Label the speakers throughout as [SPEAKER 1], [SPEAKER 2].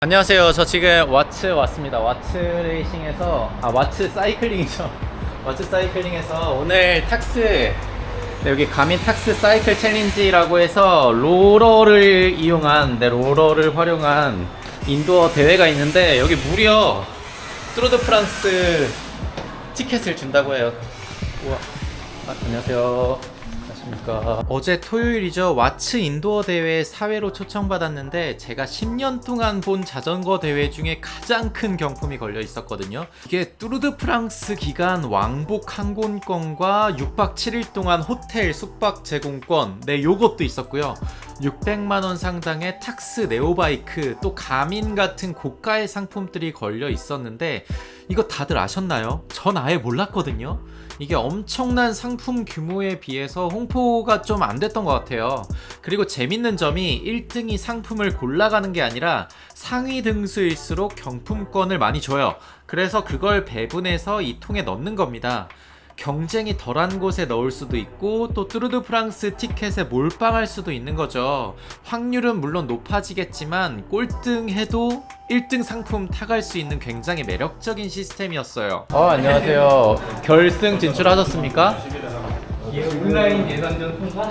[SPEAKER 1] 안녕하세요. 저 지금 와츠 왔습니다. 와츠 레이싱에서 와츠 사이클링이죠. 와츠 사이클링에서 오늘 탁스 여기 가민 탁스 사이클 챌린지라고 해서 롤러를 롤러를 활용한 인도어 대회가 있는데 여기 무려 뚜르드 프랑스 티켓을 준다고 해요. 우와. 안녕하세요. 안녕하십니까. 어제 토요일이죠. 와츠 인도어 대회 사회로 초청받았는데 제가 10년 동안 본 자전거 대회 중에 가장 큰 경품이 걸려 있었거든요. 이게 뚜르드 프랑스 기간 왕복 항공권과 6박 7일 동안 호텔 숙박 제공권, 네, 요것도 있었고요. 600만원 상당의 탁스 네오바이크, 또 가민 같은 고가의 상품들이 걸려 있었는데 이거 다들 아셨나요? 전 아예 몰랐거든요. 이게 엄청난 상품 규모에 비해서 홍보가 좀 안 됐던 것 같아요. 그리고 재밌는 점이 1등이 상품을 골라가는 게 아니라 상위 등수일수록 경품권을 많이 줘요. 그래서 그걸 배분해서 이 통에 넣는 겁니다. 경쟁이 덜한 곳에 넣을 수도 있고 또 뚜르드 프랑스 티켓에 몰빵할 수도 있는 거죠. 확률은 물론 높아지겠지만 꼴등해도 1등 상품 타갈 수 있는 굉장히 매력적인 시스템이었어요. 안녕하세요. 결승 진출하셨습니까?
[SPEAKER 2] 온라인 예선전 통과?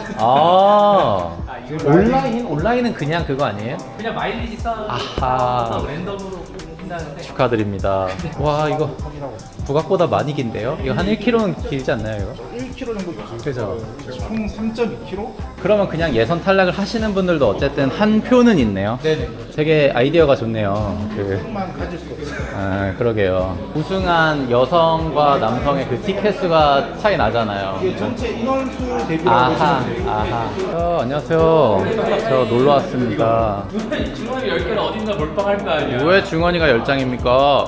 [SPEAKER 1] 온라인은 그냥 그거 아니에요?
[SPEAKER 2] 그냥 마일리지
[SPEAKER 1] 아하.
[SPEAKER 2] 쌓아서 랜덤으로 한다는데.
[SPEAKER 1] 축하드립니다. 와, 이거 부각보다 많이 긴데요? 이거 한 1km는 길지 않나요, 이거?
[SPEAKER 3] 1km 정도
[SPEAKER 1] 그죠?
[SPEAKER 3] 총 3.2km?
[SPEAKER 1] 그러면 그냥 예선 탈락을 하시는 분들도 어쨌든 한 표는 있네요.
[SPEAKER 3] 네네.
[SPEAKER 1] 되게 아이디어가 좋네요.
[SPEAKER 3] 만 가질 수 없어요.
[SPEAKER 1] 그러게요. 우승한 여성과 남성의 그 티켓 수가 차이 나잖아요.
[SPEAKER 3] 이게 전체 인원수 대비라고
[SPEAKER 1] 아하,
[SPEAKER 3] 보시면 돼요.
[SPEAKER 1] 아하. 안녕하세요. 저 놀러 왔습니다.
[SPEAKER 2] 중원이 10개를 어딘가 몰빵할 거 아니야.
[SPEAKER 1] 왜 중원이가 10장입니까?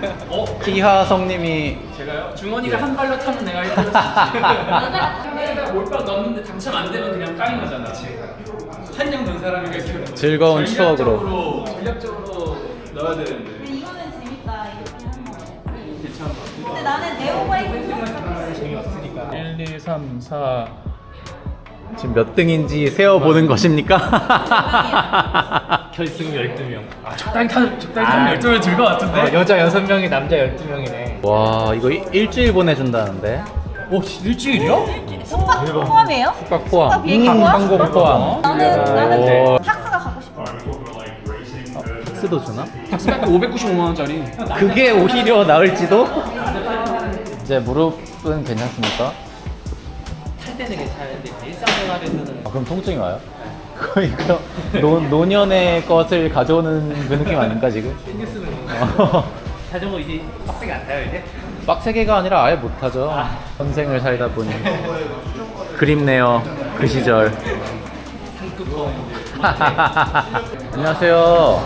[SPEAKER 1] 기하성님이
[SPEAKER 2] 제가요? 중원이가 한 발로 타면 내가 1등을 내가 몰빵 넣었는데 당첨 안 되면 그냥 까인 거잖아. 한장 넣은 사람이 이렇게
[SPEAKER 1] 즐거운 추억으로.
[SPEAKER 2] 전략적으로 넣어야 되는데.
[SPEAKER 4] 근데 이거는 재밌다. 이렇게 하는 거.
[SPEAKER 2] 괜찮아.
[SPEAKER 4] 근데 나는 네오바이크
[SPEAKER 2] 재미없으니까. 1, 2, 3, 4.
[SPEAKER 1] 지금 몇 등인지 세어보는 것입니까?
[SPEAKER 2] 결승 12명. 적당히 타면 12명 들 것 같은데?
[SPEAKER 3] 여자 6명이 남자 12명이네.
[SPEAKER 1] 와, 이거 일주일 보내준다는데?
[SPEAKER 2] 오, 일주일이요?
[SPEAKER 4] 숙박 포함이에요?
[SPEAKER 1] 숙박 포함,
[SPEAKER 4] 숙박 비행기 포함?
[SPEAKER 1] 항공 포함.
[SPEAKER 4] 나는 탁스가 가고 싶어.
[SPEAKER 1] 탁스도 주나?
[SPEAKER 2] 탁스가 595만원짜리.
[SPEAKER 1] 그게 오히려 나을지도? 이제 무릎은 괜찮습니까?
[SPEAKER 2] 탈 때는 괜찮은데 일상생활에서는
[SPEAKER 1] 그럼 통증이 와요? 거의 노년의 것을 가져오는 그 느낌 아닌가 지금?
[SPEAKER 2] 신경 쓰는 자전거 이제 빡세게 안 타요 이제?
[SPEAKER 1] 빡세게가 아니라 아예 못하죠. 선생을 살다 보니 그립네요 그 시절. 안녕하세요.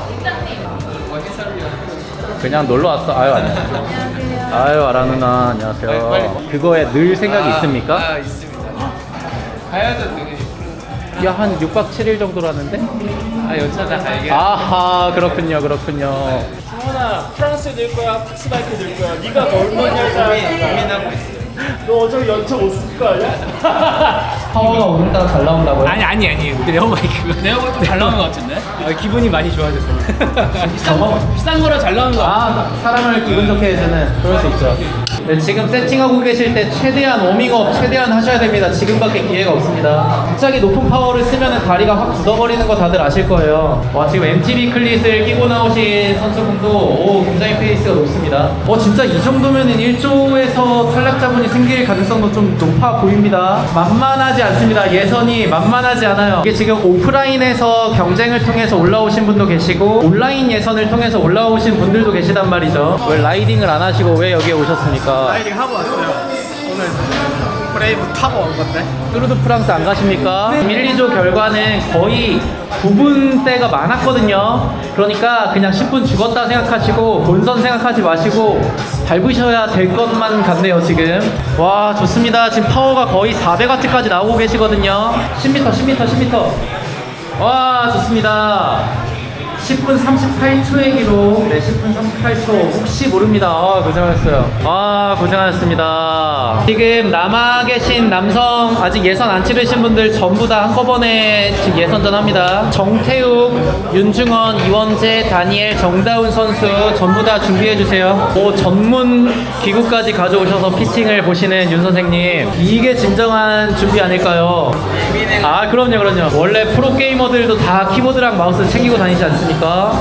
[SPEAKER 1] 그냥 놀러 왔어. 아유, 안녕하세요. 아유, 아라 누나 안녕하세요. 그거에 늘 생각이 있습니까?
[SPEAKER 2] 있습니다. 가야죠 당연히.
[SPEAKER 1] 야, 한 6박 7일 정도라는데?
[SPEAKER 2] 연차장 가야겠.
[SPEAKER 1] 아하, 그렇군요.
[SPEAKER 2] 승원아 프랑스에 들 거야 탁스바이크 들 거야 네가 얼마냐 고민하고 있어. 너 어차피 연차 못 쓸 거 아니야?
[SPEAKER 1] 파워가 오늘따라 잘 나온다고요?
[SPEAKER 2] 아니 그 네오바이크 좀 잘 나오는 거 같은데? 기분이 많이 좋아졌어. 비싼 거라 잘 나오는 거 같아.
[SPEAKER 1] 사람을 기분 좋게 해주는 그럴 수 있죠. 네, 지금 세팅하고 계실 때 최대한 워밍업 최대한 하셔야 됩니다. 지금밖에 기회가 없습니다. 갑자기 높은 파워를 쓰면 다리가 확 굳어버리는 거 다들 아실 거예요. 와, 지금 MTB 클릿을 끼고 나오신 선수분도 굉장히 페이스가 높습니다. 진짜 이 정도면은 1조에서 탈락자분이 생길 가능성도 좀 높아 보입니다. 만만하지 않습니다. 예선이 만만하지 않아요. 이게 지금 오프라인에서 경쟁을 통해서 올라오신 분도 계시고 온라인 예선을 통해서 올라오신 분들도 계시단 말이죠. 왜 라이딩을 안 하시고 왜 여기에 오셨습니까?
[SPEAKER 2] 라이딩 하고 왔어요. 오늘 브레이브 타고 온 건데.
[SPEAKER 1] 뚜르드 프랑스 안 가십니까? 1, 2조 결과는 거의 9분대가 많았거든요. 그러니까 그냥 10분 죽었다 생각하시고 본선 생각하지 마시고 밟으셔야 될 것만 같네요 지금. 와, 좋습니다. 지금 파워가 거의 400W까지 나오고 계시거든요. 10m 와, 좋습니다. 10분 38초의 기록. 네, 10분 38초. 혹시 모릅니다. 고생하셨어요. 고생하셨습니다. 지금 남아 계신 남성 아직 예선 안 치르신 분들 전부 다 한꺼번에 지금 예선전 합니다. 정태욱, 윤중원, 이원재, 다니엘, 정다운 선수 전부 다 준비해 주세요. 전문 기구까지 가져오셔서 피팅을 보시는 윤 선생님, 이게 진정한 준비 아닐까요? 그럼요. 원래 프로게이머들도 다 키보드랑 마우스 챙기고 다니지 않습니까?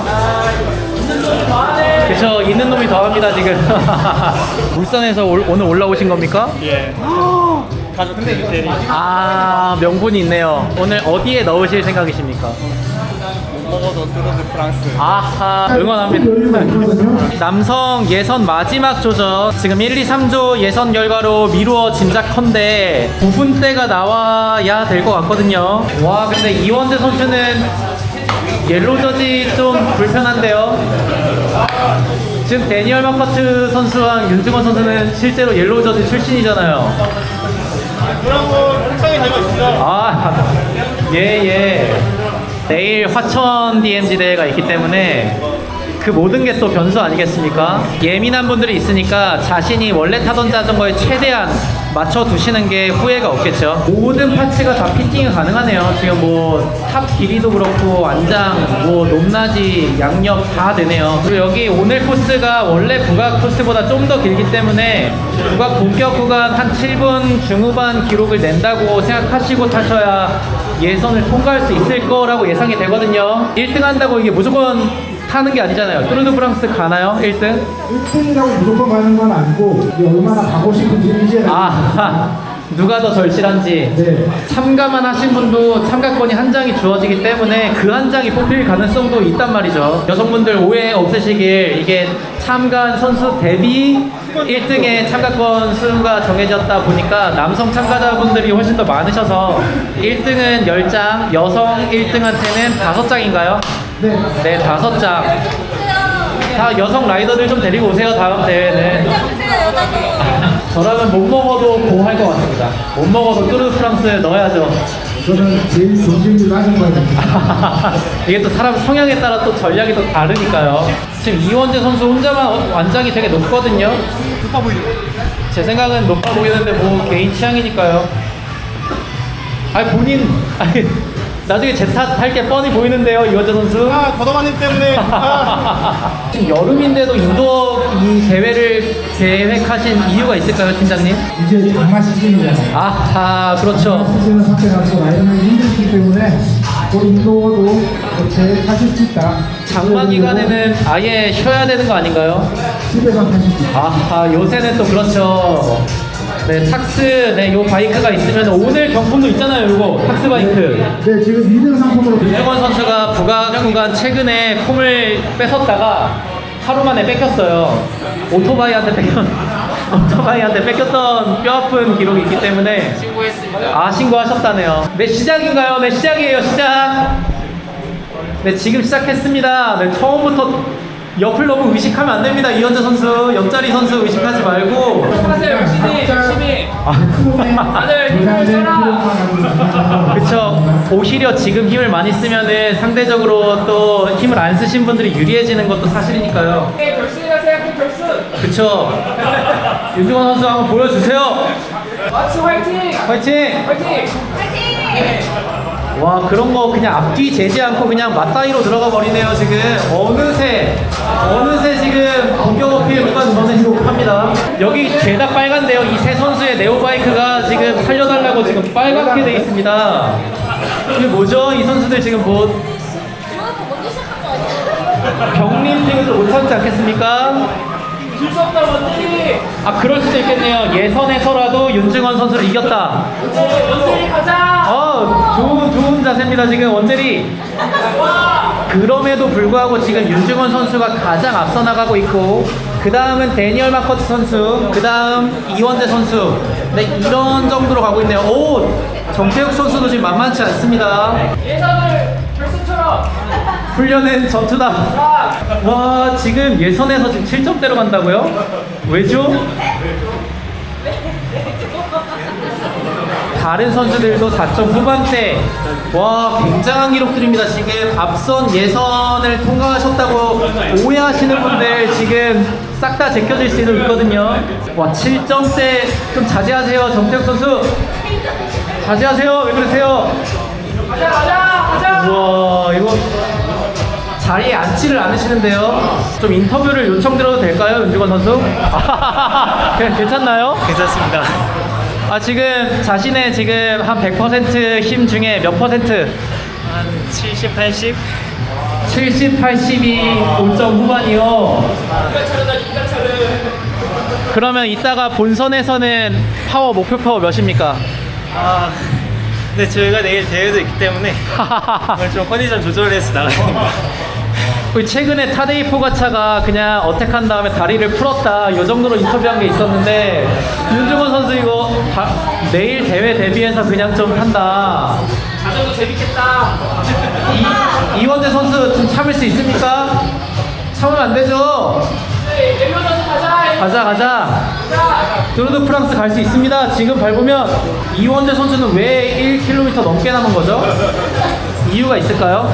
[SPEAKER 1] 그쵸, 있는 놈이 더합니다 지금. 울산에서 오늘 올라오신 겁니까?
[SPEAKER 3] 예. 가족들 대리.
[SPEAKER 1] 명분이 있네요. 오늘 어디에 넣으실 생각이십니까?
[SPEAKER 3] 먹어도 뚜르드 프랑스.
[SPEAKER 1] 응원합니다. 남성 예선 마지막 조전, 지금 1, 2, 3조 예선 결과로 미루어 짐작컨대 9분대가 나와야 될 것 같거든요. 와, 근데 이원재 선수는 옐로저지 좀 불편한데요. 지금 데니얼 마커트 선수랑 윤중원 선수는 실제로 옐로저지 출신이잖아요.
[SPEAKER 3] 그런 거 속상히 달고 있습니다.
[SPEAKER 1] 예. 내일 화천 DMZ 대회가 있기 때문에 그 모든 게 또 변수 아니겠습니까? 예민한 분들이 있으니까 자신이 원래 타던 자전거에 최대한 맞춰두시는 게 후회가 없겠죠. 모든 파츠가 다 피팅이 가능하네요. 지금 탑 길이도 그렇고 안장, 높낮이, 양옆 다 되네요. 그리고 여기 오늘 코스가 원래 북악 코스보다 좀 더 길기 때문에 북악 본격 구간 한 7분 중후반 기록을 낸다고 생각하시고 타셔야 예선을 통과할 수 있을 거라고 예상이 되거든요. 1등 한다고 이게 무조건 타는 게 아니잖아요. 뚜르드 프랑스 가나요? 1등?
[SPEAKER 5] 1등이라고 무조건 가는 건 아니고 이게 얼마나 가고 싶은지 이제
[SPEAKER 1] 누가 더 절실한지.
[SPEAKER 5] 네.
[SPEAKER 1] 참가만 하신 분도 참가권이 한 장이 주어지기 때문에 그 한 장이 뽑힐 가능성도 있단 말이죠. 여성분들 오해 없으시길, 이게 참가한 선수 대비 1등의 참가권 수가 정해졌다 보니까 남성 참가자분들이 훨씬 더 많으셔서 1등은 10장, 여성 1등한테는 5장인가요? 네, 5장. 다 여성 라이더들 좀 데리고 오세요, 다음 대회는. 저라면 못 먹어도 고 할 것 같습니다. 못 먹어도 뚜르드 프랑스에 넣어야죠.
[SPEAKER 5] 저는 제일 존중을 하는 거예요.
[SPEAKER 1] 이게 또 사람 성향에 따라 또 전략이 또 다르니까요. 지금 이원재 선수 혼자만 완장이 되게 높거든요.
[SPEAKER 3] 높아 보이죠?
[SPEAKER 1] 제 생각은 높아 보이는데 개인 취향이니까요. 나중에 제 탓 할 게 뻔히 보이는데요, 이원재 선수.
[SPEAKER 3] 더더마님 때문에.
[SPEAKER 1] 지금 여름인데도 인도어 이 대회를 계획하신 이유가 있을까요, 팀장님?
[SPEAKER 5] 이제 장마 시즌이잖아요.
[SPEAKER 1] 그렇죠.
[SPEAKER 5] 시즌을 선택하고 라이더는 힘들기 때문에 인도어도 이렇게 타실 수 있다.
[SPEAKER 1] 장마 기간에는 아예 쉬어야 되는 거 아닌가요?
[SPEAKER 5] 집에서 타실 수 있다.
[SPEAKER 1] 요새는 또 그렇죠. 네, 탁스, 요 바이크가 있으면 오늘 경품도 있잖아요, 요거 탁스 바이크.
[SPEAKER 5] 네, 지금 2등 상품으로
[SPEAKER 1] 윤중원 선수가 북악 구간 최근에 폼을 뺏었다가 하루 만에 뺏겼어요. 오토바이한테 뺏겼던 뼈아픈 기록이 있기 때문에 신고했습니다. 신고하셨다네요. 네, 시작인가요? 네, 시작이에요, 시작. 네, 지금 시작했습니다. 네, 처음부터 옆을 너무 의식하면 안 됩니다. 이현재 선수, 옆자리 선수 의식하지 말고.
[SPEAKER 2] 하세요, 열심히. 다들 힘을 써라.
[SPEAKER 1] 그쵸. 오히려 지금 힘을 많이 쓰면은 상대적으로 또 힘을 안 쓰신 분들이 유리해지는 것도 사실이니까요.
[SPEAKER 2] 결승이라 생각해, 결승.
[SPEAKER 1] 그쵸. 윤중원 선수 한번 보여주세요.
[SPEAKER 2] 마치 화이팅!
[SPEAKER 1] 화이팅! 와, 그런 거 그냥 앞뒤 재지 않고 그냥 맞다이로 들어가 버리네요, 지금. 어느새 지금 본격 어필 구간 저는 기록합니다. 여기 죄다 빨간데요. 이 세 선수의 네오바이크가 지금 살려달라고 지금 빨갛게 돼 있습니다. 이게 뭐죠? 이 선수들 지금 경림팀에서 못 참지 않겠습니까?
[SPEAKER 2] 질 수 없다, 원들이!
[SPEAKER 1] 그럴 수도 있겠네요. 예선에서라도 윤중원 선수를 이겼다.
[SPEAKER 2] 원들이 가자!
[SPEAKER 1] 좋은 자세입니다, 지금 원재리. 그럼에도 불구하고 지금 윤중원 선수가 가장 앞서 나가고 있고, 그 다음은 데니얼 마커트 선수, 그 다음 이원재 선수. 네, 이런 정도로 가고 있네요. 정태욱 선수도 지금 만만치 않습니다.
[SPEAKER 2] 예선을 결승처럼!
[SPEAKER 1] 훈련은 전투다. 와, 지금 예선에서 지금 7점대로 간다고요? 왜죠? 다른 선수들도 4점 후반대. 와, 굉장한 기록들입니다. 지금 앞선 예선을 통과하셨다고 오해하시는 분들 지금 싹 다 제껴질 수도 있거든요. 와, 7점대 좀 자제하세요, 정태욱 선수. 자제하세요. 왜 그러세요? 우와, 이거 자리에 앉지를 않으시는데요. 좀 인터뷰를 요청드려도 될까요, 윤주건 선수? 그냥 괜찮나요?
[SPEAKER 3] 괜찮습니다.
[SPEAKER 1] 아, 지금 자신의 지금 한 100% 힘 중에 몇 퍼센트?
[SPEAKER 3] 한 70, 80?
[SPEAKER 1] 70, 80이 5점 후반이요. 그러면 이따가 본선에서는 목표 파워 몇입니까?
[SPEAKER 3] 아, 근데 저희가 내일 대회도 있기 때문에 오늘 좀 컨디션 조절해서 나가야 됩니다.
[SPEAKER 1] 우리 최근에 타데이 포가차가 그냥 어택한 다음에 다리를 풀었다 이 정도로 인터뷰한 게 있었는데 윤중원 선수 이거 내일 대회 대비해서 그냥 좀 한다.
[SPEAKER 2] 자전거 재밌겠다.
[SPEAKER 1] 이원재 선수 좀 참을 수 있습니까? 참으면 안 되죠. 가자. 드루드 프랑스 갈 수 있습니다. 지금 밟으면 이원재 선수는 왜 1km 넘게 남은 거죠? 이유가 있을까요?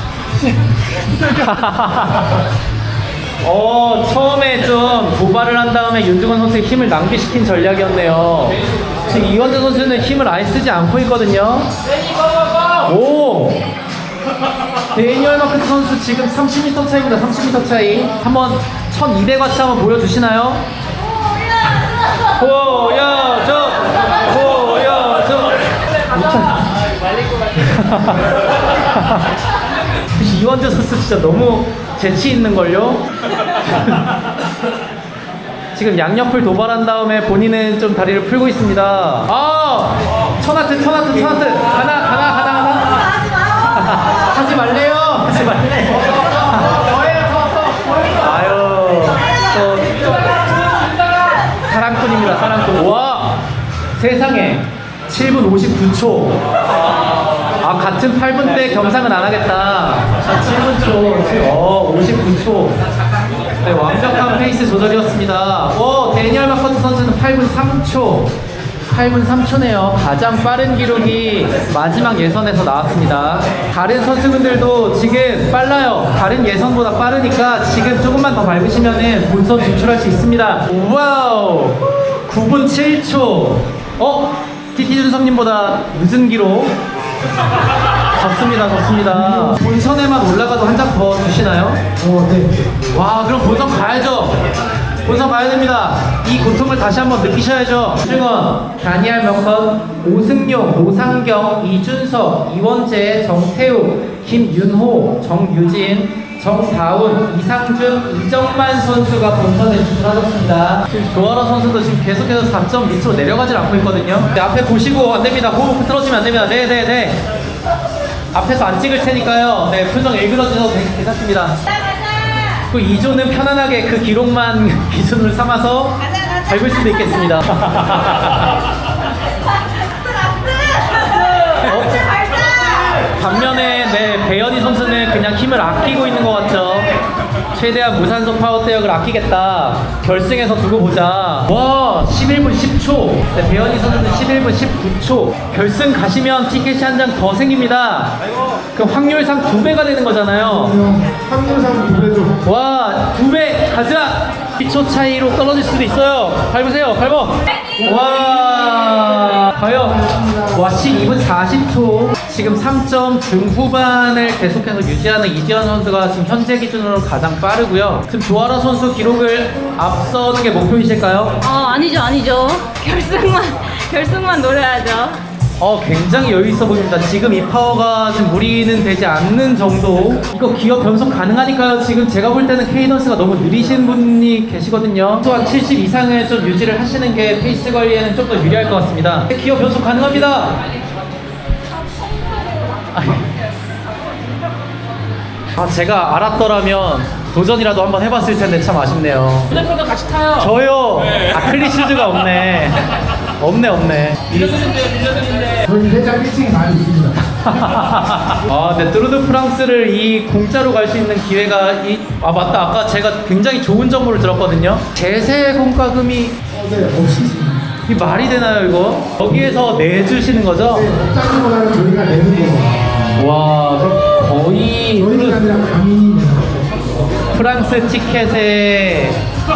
[SPEAKER 1] 처음에 좀 도발을 한 다음에 윤중원 선수의 힘을 낭비시킨 전략이었네요. 지금 이원재 선수는 힘을 아예 쓰지 않고 있거든요. 오! 데니얼 마크트 선수 지금 30m 차이입니다. 30m 차이. 한번 1200와트 한번 보여주시나요? 보여줘! 이원재 선수 진짜 너무 재치 있는걸요? 지금 양옆을 도발한 다음에 본인은 좀 다리를 풀고 있습니다. 천하트. 가나. 하지 말래요. 아유, 사랑꾼입니다. 사랑꾼. 와, 세상에 7분 59초. 같은 8분 대 경상은 안 하겠다. 7분 초. 59초. 네, 완벽한 페이스 조절이었습니다. 데니얼 마커트 선수는 8분 3초. 8분 3초네요. 가장 빠른 기록이 마지막 예선에서 나왔습니다. 다른 선수분들도 지금 빨라요. 다른 예선보다 빠르니까 지금 조금만 더 밟으시면은 본선 진출할 수 있습니다. 와우! 9분 7초. TT 준성님보다 늦은 기록. 좋습니다. 본선에만 올라가도 한 장 더 주시나요?
[SPEAKER 5] 네.
[SPEAKER 1] 와, 그럼 본선 가야죠. 본선 가야 됩니다. 이 고통을 다시 한번 느끼셔야죠. 윤중원, 다니엘 명건, 오승용, 노상경, 이준석, 이원재, 정태욱, 김윤호, 정유진, 정다운, 이상준, 이정만 선수가 본선에 진출하셨습니다. 지금 조아라 선수도 지금 계속해서 4점 밑으로 내려가질 않고 있거든요. 네, 앞에 보시고 안 됩니다. 호흡 틀어지면 안 됩니다. 네. 앞에서 안 찍을 테니까요. 네, 표정 일그러지셔도 괜찮습니다. 그 2조는 편안하게 그 기록만 기준으로 삼아서 밟을 수도 있겠습니다. 반면에 배현희 선수는 그냥 힘을 아끼고 있는 것 같죠. 최대한 무산소 파워 대역을 아끼겠다. 결승에서 두고 보자. 와, 11분 10초. 네, 배현희 선수는 11분 19초. 결승 가시면 티켓이 한 장 더 생깁니다. 그럼 확률상 2배가 되는 거잖아요.
[SPEAKER 5] 확률상 2배죠.
[SPEAKER 1] 와, 2배 가자. 2초 차이로 떨어질 수도 있어요. 밟으세요. 와, 과연. 와, 12분 40초. 지금 3점 중후반을 계속해서 유지하는 이지현 선수가 지금 현재 기준으로 가장 빠르고요. 지금 조아라 선수 기록을 앞서는 게 목표이실까요?
[SPEAKER 4] 아니죠. 결승만 노려야죠.
[SPEAKER 1] 굉장히 여유 있어 보입니다. 지금 이 파워가 지금 무리는 되지 않는 정도. 이거 기어 변속 가능하니까요. 지금 제가 볼 때는 케이던스가 너무 느리신 분이 계시거든요. 또한 70 이상을 좀 유지를 하시는 게 페이스 관리에는 좀 더 유리할 것 같습니다. 기어 변속 가능합니다. 제가 알았더라면 도전이라도 한번 해봤을 텐데 참 아쉽네요.
[SPEAKER 2] 휴대폰도 같이 타요.
[SPEAKER 1] 저요? 클리슈즈가 없네.
[SPEAKER 2] 빌려드는데.
[SPEAKER 5] 저희 회장 1층에 많이 있습니다.
[SPEAKER 1] 네, 드루드 프랑스를 이 공짜로 갈 수 있는 기회가 맞다. 아까 제가 굉장히 좋은 정보를 들었거든요. 제세 공과금이
[SPEAKER 5] 네, 없으십니다.
[SPEAKER 1] 이 말이 되나요 이거? 여기에서 내주시는 거죠?
[SPEAKER 5] 짜기보다는 저희가 내는 거.
[SPEAKER 1] 와 거의
[SPEAKER 5] 저희가 아니라 감이 내는 거.
[SPEAKER 1] 프랑스 티켓에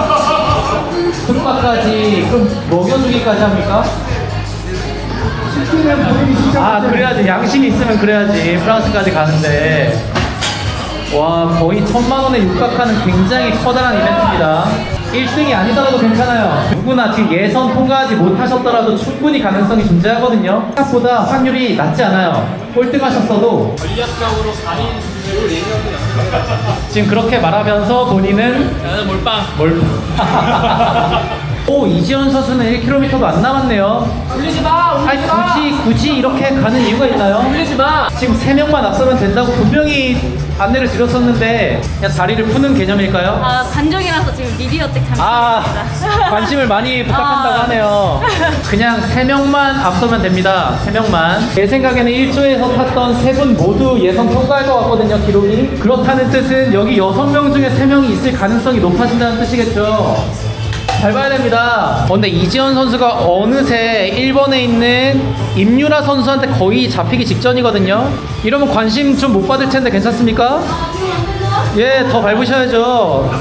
[SPEAKER 1] 숙박까지 그럼 먹여주기까지 합니까?
[SPEAKER 5] 시키는 분위기 진짜.
[SPEAKER 1] 아 그래야지 양심이 있으면 그래야지 프랑스까지 가는데 와 거의 1,000만 원에 육박하는 굉장히 커다란 이벤트입니다. 1등이 아니더라도 괜찮아요. 누구나 지금 예선 통과하지 못하셨더라도 충분히 가능성이 존재하거든요. 생각보다 확률이 낮지 않아요. 꼴등하셨어도
[SPEAKER 2] 전략적으로 가린 주제로 얘기하고
[SPEAKER 1] 지금 그렇게 말하면서 본인은
[SPEAKER 2] 나는 몰빵.
[SPEAKER 1] 오 이지원 선수는 1km도 안 남았네요.
[SPEAKER 2] 올리지 마.
[SPEAKER 1] 아니
[SPEAKER 2] 올리지 마.
[SPEAKER 1] 굳이 이렇게 가는 이유가 있나요?
[SPEAKER 2] 올리지 마.
[SPEAKER 1] 지금 3명만 앞서면 된다고 분명히 안내를 드렸었는데 그냥 다리를 푸는 개념일까요?
[SPEAKER 4] 아, 관종이라서 지금 미디어텍 잠깐.
[SPEAKER 1] 아 관심을 많이 부탁한다고
[SPEAKER 4] 아.
[SPEAKER 1] 하네요. 그냥 3명만 앞서면 됩니다. 3명만. 제 생각에는 1조에서 탔던 3분 모두 예선 통과할 것 같거든요. 기록이. 그렇다는 뜻은 여기 6명 중에 3명이 있을 가능성이 높아진다는 뜻이겠죠. 잘 봐야 됩니다. 근데 이지원 선수가 어느새 1번에 있는 임유라 선수한테 거의 잡히기 직전이거든요. 이러면 관심 좀 못 받을 텐데 괜찮습니까? 예, 더 밟으셔야죠.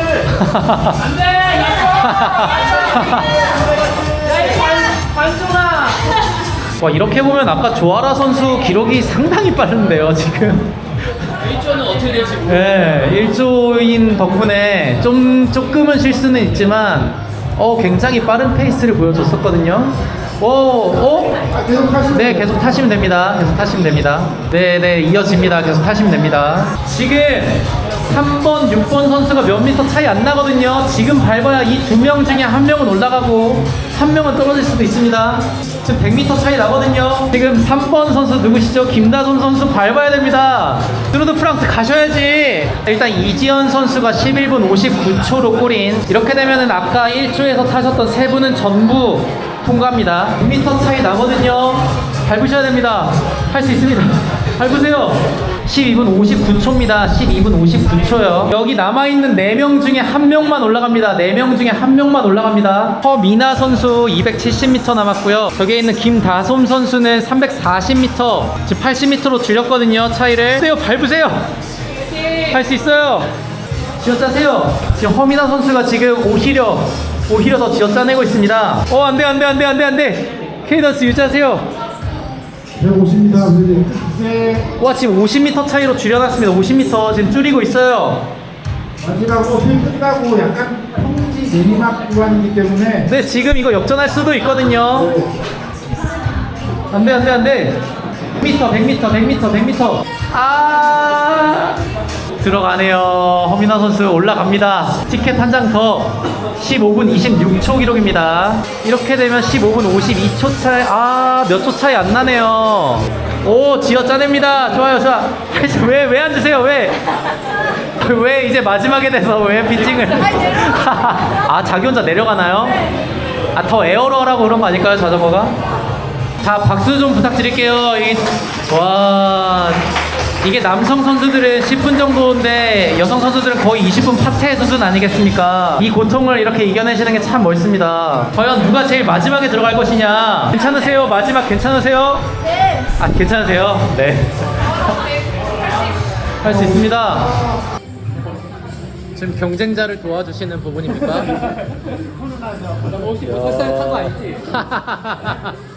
[SPEAKER 1] 와, 이렇게 보면 아까 조아라 선수 기록이 상당히 빠른데요, 지금.
[SPEAKER 2] 1조는 어떻게 될지 모르겠어요.
[SPEAKER 1] 네, 1조인 덕분에 조금은 실수는 있지만 굉장히 빠른 페이스를 보여줬었거든요.
[SPEAKER 5] 계속 하시면
[SPEAKER 1] 네, 계속 타시면 됩니다. 계속 타시면 됩니다. 네, 이어집니다. 계속 타시면 됩니다. 지금 3번, 6번 선수가 몇 미터 차이 안 나거든요. 지금 밟아야 이 2명 중에 1명은 올라가고 1명은 떨어질 수도 있습니다. 지금 100m 차이 나거든요. 지금 3번 선수 누구시죠? 김다솜 선수 밟아야 됩니다. 뚜르드 프랑스 가셔야지. 일단 이지연 선수가 11분 59초로 골인. 이렇게 되면은 아까 1조에서 타셨던 세 분은 전부 통과합니다. 100m 차이 나거든요. 밟으셔야 됩니다. 할 수 있습니다. 밟으세요. 12분 59초입니다. 12분 59초요. 여기 남아있는 4명 중에 1명만 올라갑니다. 4명 중에 1명만 올라갑니다. 허미나 선수 270m 남았고요. 저기에 있는 김다솜 선수는 340m, 지금 80m로 줄였거든요. 차이를. 밟으세요. 할 수 있어요. 쥐어짜세요. 지금 허미나 선수가 지금 오히려 더 쥐어짜내고 있습니다. 안돼. 케이던스 유지하세요.
[SPEAKER 5] 150m 네.
[SPEAKER 1] 와, 지금 50m 차이로 줄여놨습니다. 50m 지금 줄이고 있어요.
[SPEAKER 5] 마지막으로 필 끝나고 약간 평지 내리막 구간이기 때문에
[SPEAKER 1] 네, 지금 이거 역전할 수도 있거든요. 안돼. 100m. 아, 들어가네요. 허민아 선수 올라갑니다. 티켓 한 장 더. 15분 26초 기록입니다. 이렇게 되면 15분 52초 차이. 몇 초 차이 안 나네요. 오, 지어 짜냅니다. 좋아요. 왜 앉으세요? 왜 이제 마지막에 돼서 왜 피칭을? 자기 혼자 내려가나요? 더 에어로 하라고 그런 거 아닐까요, 자전거가? 자, 박수 좀 부탁드릴게요. 이게 남성 선수들은 10분 정도인데 여성 선수들은 거의 20분 파퇴 수준 아니겠습니까? 이 고통을 이렇게 이겨내시는 게 참 멋있습니다. 과연 누가 제일 마지막에 들어갈 것이냐? 괜찮으세요? 마지막 괜찮으세요? 네. 괜찮으세요? 네. 할 수 있습니다. 지금 경쟁자를 도와주시는 부분입니까?
[SPEAKER 2] 혹시 뭐 설사를 탄거 아니지?